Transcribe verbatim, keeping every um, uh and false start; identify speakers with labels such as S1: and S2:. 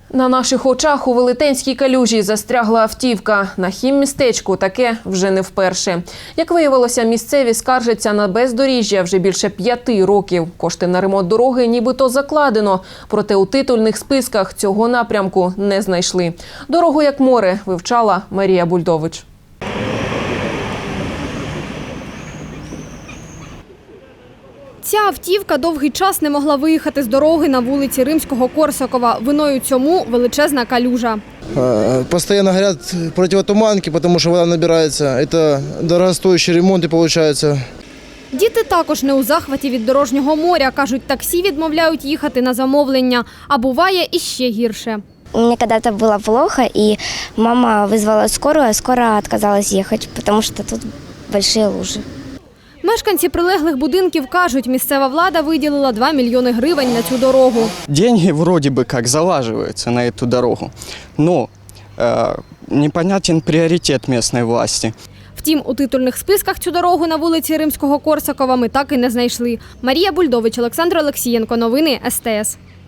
S1: На наших очах у Велетенській калюжі застрягла автівка. На хіммістечку таке вже не вперше. Як виявилося, місцеві скаржаться на бездоріжжя вже більше п'яти років. Кошти на ремонт дороги нібито закладено, проте у титульних списках цього напрямку не знайшли. Дорогу як море вивчала Марія Бульдович.
S2: Ця автівка довгий час не могла виїхати з дороги на вулиці Римського-Корсакова. Виною цьому величезна калюжа.
S3: Постоянно горят противотуманки, потому что вода набирается. Это дорогостоящие ремонты получаются.
S2: Діти також не у захваті від дорожнього моря. Кажуть, таксі відмовляють їхати на замовлення. А буває іще гірше.
S4: Мне когда-то было плохо, и мама вызвала скорую, а скорая отказалась ехать, потому что тут большие лужи.
S2: Мешканці прилеглих будинків кажуть, місцева влада виділила два мільйони гривень на цю дорогу.
S5: Деньги вроде бы как залаживаются на эту дорогу, но э, непонятен приоритет местной власти.
S2: Втім, у титульних списках цю дорогу на вулиці Римського-Корсакова ми так і не знайшли. Марія Бульдович, Олександр Олексієнко. Новини ес те ес.